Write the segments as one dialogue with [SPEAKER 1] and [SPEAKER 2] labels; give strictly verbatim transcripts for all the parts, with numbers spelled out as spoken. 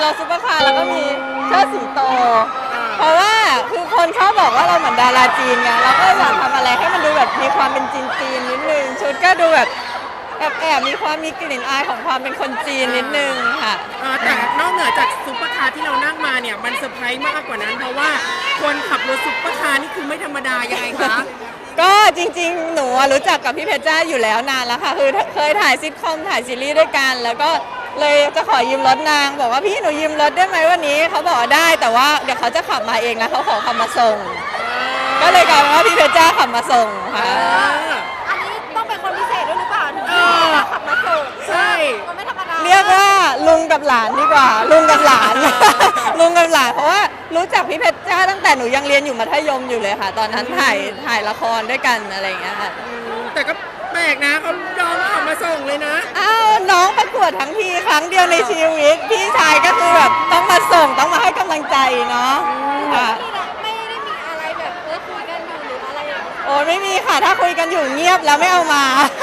[SPEAKER 1] รถซุปเปอร์คาร์แล้วก็มีเชิดสิงโตเพราะว่าคือคนเขาบอกว่าเราเหมือนดาราจีนไงเราก็อยากทำอะไรให้มันดูแบบมีความเป็นจีนจีนนิดนึงชุดก็ดูแบบแอบแอบมีความมีกลิ่นอายของความเป็นคนจีนนิดนึงค่ะ
[SPEAKER 2] แต่นอกเหนือจากซุปเปอร์คาร์ที่เรานั่งมาเนี่ยมันเซอร์ไพรส์มากกว่านั้นเพราะว่าคนขับรถซุปเปอร์คาร์นี่คือไม่ธรรมดายังไงคะ
[SPEAKER 1] ก็จริงๆหนูรู้จักกับพี่เพชรจ้าอยู่แล้วนานแล้วค่ะคือเคยถ่ายซิทคอมถ่ายซีรีส์ด้วยกันแล้วก็เลยจะขอยืมรถนางบอกว่าพี่หนูยืมรถได้ไหมวันนี้เขาบอกได้แต่ว่าเดี๋ยวเขาจะขับมาเองนะเขาขอขับมาส่งก็เลยกลายเป็นว่าพี่เพชรจ้าขับมาส่งค่ะ
[SPEAKER 3] อันนี้ต้องเป็นคนพิเศษด้วยหรือเปล่าถึงจะขับมาส่ง
[SPEAKER 2] ใช่
[SPEAKER 3] มันไม่ธรรมดา
[SPEAKER 1] เรียกว่าลุงกับหลานดีกว่าลุงกับหลานลุงกับหลานเพราะว่ารู้จักพี่เพชรจ้าตั้งแต่หนูยังเรียนอยู่มัธยมอยู่เลยค่ะตอนนั้นถ่ายถ่ายละครด้วยกันอะไรอย่างเงี้ยค่ะ
[SPEAKER 2] แต่ก็แปลกนะเขายอมขับมาส่งเลยนะ
[SPEAKER 1] อ้าวน้องประกวดทั้งทีครั้งเดียวในชีวิตพี่ชายก็คือแบบต้องมาส่งต้องมาให้กำลังใจเนาะค่ะ
[SPEAKER 3] ไม่ได้มีอะไรแบบเออคุยกันอยู่หรืออะไรอย่างเงี้ย
[SPEAKER 1] โอ้ไม่มีค่ะถ้าคุยกันอยู่เงียบแล้วไม่เอามา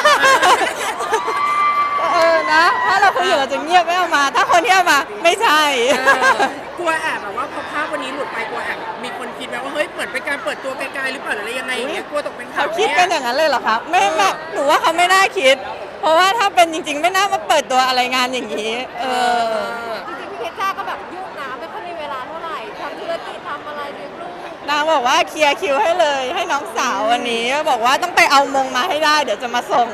[SPEAKER 1] เออนะถ้าเราคุยอยู่เราจะเงียบไม่เอามา ถ้าคนที่เอามาไม่ใช่
[SPEAKER 2] กลัวแอบแบบว่าพอภาพวันนี้หลุดไปกลัวแอบมีคนคิดไหมว่าเฮ้ยเหมือนเป็นการเปิดตัวไกลๆหรือเปล่าหรืออะไรยังไงอย่างเงี้ยกลัวตกเป็นข่าว
[SPEAKER 1] เขาคิดกันอย่างนั้นเลยเหรอคะไม่ไม่หนูว่าเขาไม่น่าคิด เพราะว่าถ้าเป็นจริงๆไม่น่ามาเปิดตัวอะไรงานอย่างนี้เออ
[SPEAKER 3] จริงๆพี่เพชรจ้าก็แบบยุ่งนะไม่ค่อยมีเวลาเท่าไหร่ทำธุรกิจทำอะไรเลี้ยงลูก
[SPEAKER 1] นางบอกว่าเคลียร์คิวให้เลยให้น้องสาววันนี้บอกว่าต้องไปเอามงมาให้ได้เดี๋ยวจะมาส่ง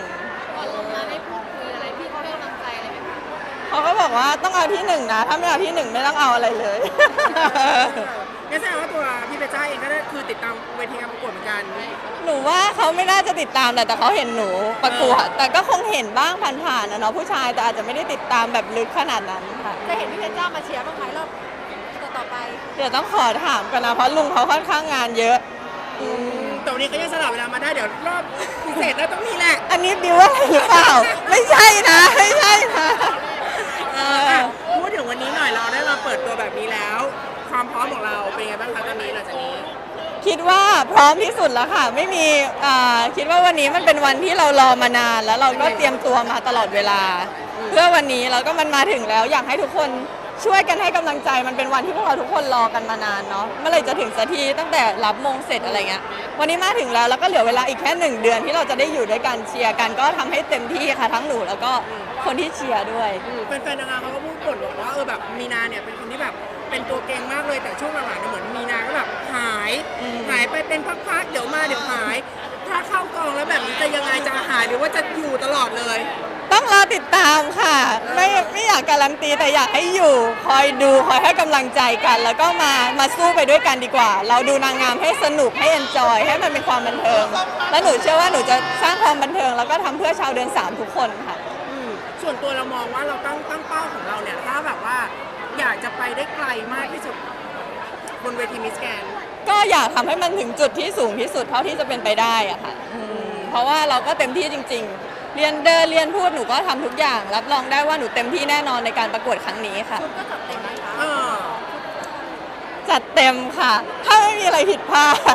[SPEAKER 1] เขาก็บอกว่าต้องเอาที่หนึ่งนะถ้าไม่เอาที่หนึ่งไม่ต้องเอาอะไรเลย
[SPEAKER 2] งั้นแสดงว่าตัวพี่เพชรจ้าเองก็ได้คือติดตามเวทีการประกวดเหมือนกัน
[SPEAKER 1] หนูว่าเขาไม่น่าจะติดตามแหละแต่เขาเห็นหนูประกวดแต่ก็คงเห็นบ้างผ่านๆนะเนาะผู้ชายแต่อาจจะไม่ได้ติดตามแบบลึกขนาดนั้นค่ะ
[SPEAKER 3] จะเห็นพี่เพชรจ้ามาเชียร์บ้างไหมรอบต่อไป
[SPEAKER 1] เดี๋ยวต้องขอถามกันนะเพราะลุงเขาค่อนข้างงานเยอะ
[SPEAKER 2] แต่วันนี้ก็ยังสลับเวลามาได้เดี๋ยวรอบพิเศษแล้วต้องมีแหละ
[SPEAKER 1] อันนี้บิวว่าอะไรหรือเปล่าไม่ใช่นะไม่ใช่นะ
[SPEAKER 2] พูดถึงวันนี้หน่อยเราได้มาเปิดตัวแบบนี้แล้วความพร้อมของเราเป็นไงบ้างคะตอนนี้หลังจากนี้
[SPEAKER 1] คิดว่าพร้อมที่สุดแล้วค่ะไม่มีคิดว่าวันนี้มันเป็นวันที่เรารอมานานแล้วเราก็เตรียมตัวมาตลอดเวลาเพื่อวันนี้แล้วก็มันมาถึงแล้วอยากให้ทุกคนช่วยกันให้กำลังใจมันเป็นวันที่พวกเราทุกคนรอกันมานานเนาะเมื่อไหร่จะถึงสักทีตั้งแต่รับมงเสร็จอะไรเงี้ยวันนี้มาถึงแล้วแล้วก็เหลือเวลาอีกแค่หนึ่งเดือนที่เราจะได้อยู่ด้วยกันเชียร์กันก็ทำให้เต็มที่ค่ะทั้งหนูแล้วก็คนที่เชียร์ด้วย
[SPEAKER 2] แฟนๆนางงามเขาก็พูดบ่นบอกว่าเออแบบมีนาเนี่ยเป็นคนที่แบบเป็นตัวเก่งมากเลยแต่ช่วงหลังๆเหมือนมีนาก็แบบหายหายไปเป็นพักๆเดี๋ยวมาเดี๋ยวหายถ้าเข้ากองแล้วแบบนี้จะยังไงจะหายหรือว่าจะอยู่ตลอดเลย
[SPEAKER 1] ต้องรอติดตามค่ะไม่ไม่อยากการันตีแต่อยากให้อยู่คอยดูคอยให้กำลังใจกันแล้วก็มามาสู้ไปด้วยกันดีกว่าเราดูนางงามให้สนุกให้เอนจอยให้มันเป็นความบันเทิงและหนูเชื่อว่าหนูจะสร้างความบันเทิงแล้วก็ทำเพื่อชาวเดือนสามทุกคนค่ะ
[SPEAKER 2] ส่วนตัวเรามองว่าเราตั้งตั้งเป้าของเราเนี่ยถ้าแบบว่าอยากจะไปได้ไกลมากที่สุดบนเวทีมิสแกรนด์
[SPEAKER 1] ก็อยากทำให้มันถึงจุดที่สูงที่สุดเท่าที่จะเป็นไปได้อะค่ะเพราะว่าเราก็เต็มที่จริงๆเรียนเดินเรียนพูดหนูก็ทำทุกอย่างรับรองได้ว่าหนูเต็มที่แน่นอนในการประกวดครั้งนี้ค่ะ
[SPEAKER 3] ชุดก็จัดเต็มไหมคะ
[SPEAKER 1] จัดเต็มค่ะถ้าไม่มีอะไรผิดพลาด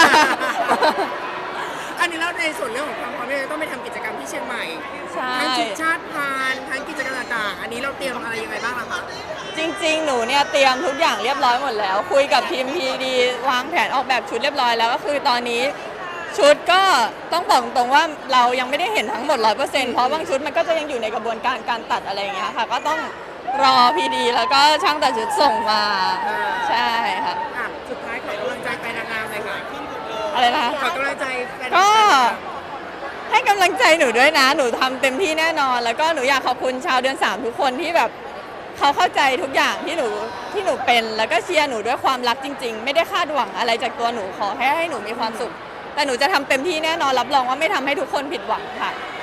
[SPEAKER 2] อันนี้แล้วในส่วนเรื่องของความพร้อมเราต้องไปทำกิจกรรมที่เชียงใหม่ทั้งชุดชาติพานทั้งกิจกรรมต่างๆอันนี้เราเตรียมอะไรยังไงบ้างคะ
[SPEAKER 1] จริงๆหนูเนี่ยเตรียมทุกอย่างเรียบร้อยหมดแล้วคุยกับทีมพีดีวางแผนออกแบบชุดเรียบร้อยแล้วก็คือตอนนี้ชุดก็ต้องบอกตรงว่าเรายังไม่ได้เห็นทั้งหมด ร้อยเปอร์เซ็นต์ เพราะบางชุดมันก็จะยังอยู่ในกระบวนการการตัดอะไรอย่างเงี้ยค่ะก็ต้องรอพีดีแล้วก็ช่างตัดชุดส่งมาใช่ค่ะ
[SPEAKER 2] สุดท้ายขอกำลังใจไปนางงามเลยค่ะ
[SPEAKER 1] อะไรนะ
[SPEAKER 2] ขอกำลังใจ
[SPEAKER 1] ก็ให้กำลังใจหนูด้วยนะหนูทำเต็มที่แน่นอนแล้วก็หนูอยากขอบคุณชาวเดือนสามทุกคนที่แบบเขาเข้าใจทุกอย่างที่หนูที่หนูเป็นแล้วก็เชียร์หนูด้วยความรักจริงๆไม่ได้คาดหวังอะไรจากตัวหนูขอแค่ให้หนูมีความสุขแต่หนูจะทำเต็มที่แน่นอนรับรองว่าไม่ทำให้ทุกคนผิดหวังค่ะ